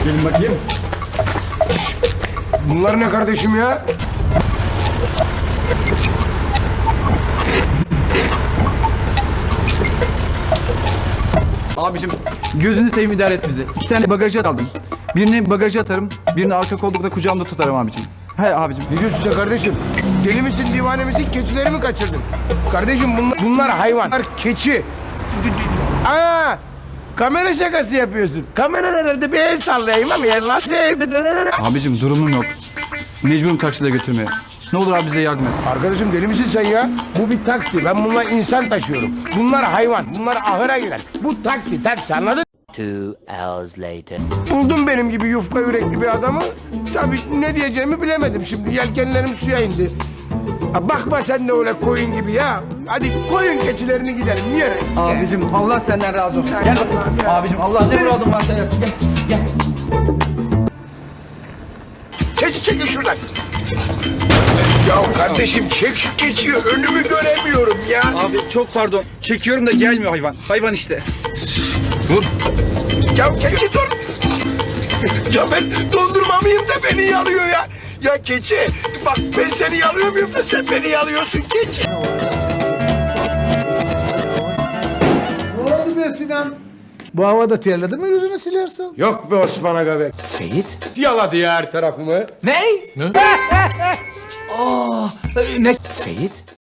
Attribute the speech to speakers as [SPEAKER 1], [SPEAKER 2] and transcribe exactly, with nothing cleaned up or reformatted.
[SPEAKER 1] Gelin bakayım.
[SPEAKER 2] Şş, bunlar ne kardeşim ya?
[SPEAKER 1] Abicim gözünü seveyim idare et bizi. İki tane bagajı aldım. Birini bagaja atarım, birini arka koltukta kucağımda tutarım abicim. He abicim.
[SPEAKER 2] Ne diyorsun sen kardeşim? Deli misin, divane misin, keçileri mi kaçırdın? Kardeşim bunlar, bunlar hayvan. Bunlar keçi. Aa, kamera şakası yapıyorsun. Kamera nerede? Bir el sallayayım ama yer lan.
[SPEAKER 1] Abicim durumum yok. Mecburum takside götürmeye. Ne olur abi bize yardım et.
[SPEAKER 2] Arkadaşım deli misin sen ya? Bu bir taksi. Ben bununla insan taşıyorum. Bunlar hayvan. Bunlar ahıra girer. Bu taksi, taksi anladın?
[SPEAKER 3] Two hours later.
[SPEAKER 2] Buldum benim gibi yufka yürekli bir adamı. Tabii ne diyeceğimi bilemedim şimdi. Yelkenlerim suya indi. Ha, bakma sen de öyle koyun gibi ya. Hadi koyun keçilerini gidelim. Yere.
[SPEAKER 1] Abicim Allah senden razı olsun.
[SPEAKER 2] Ay
[SPEAKER 1] Gel
[SPEAKER 2] Allah'ım
[SPEAKER 1] bakayım.
[SPEAKER 2] ya.
[SPEAKER 1] Abicim Allah ne muradın varsa versin. Gel. Gel.
[SPEAKER 2] Keçi çekin şuradan. Ya kardeşim çek şu keçiyi. Önümü göremiyorum ya.
[SPEAKER 1] Abi çok pardon. Çekiyorum da gelmiyor hayvan. Hayvan işte. Dur.
[SPEAKER 2] Ya keçi dur. Ya ben dondurmamıyım da beni yalıyor ya. Ya keçi bak ben seni yalıyor muyum da sen beni yalıyorsun keçi.
[SPEAKER 4] Ne oldu be Sinan? Bu havada terledin mi yüzünü silersin?
[SPEAKER 2] Yok be Osman Aga be.
[SPEAKER 4] Seyit.
[SPEAKER 2] Yaladı ya her tarafımı.
[SPEAKER 1] Ne? Ne? Aa, ne?
[SPEAKER 4] Seyit.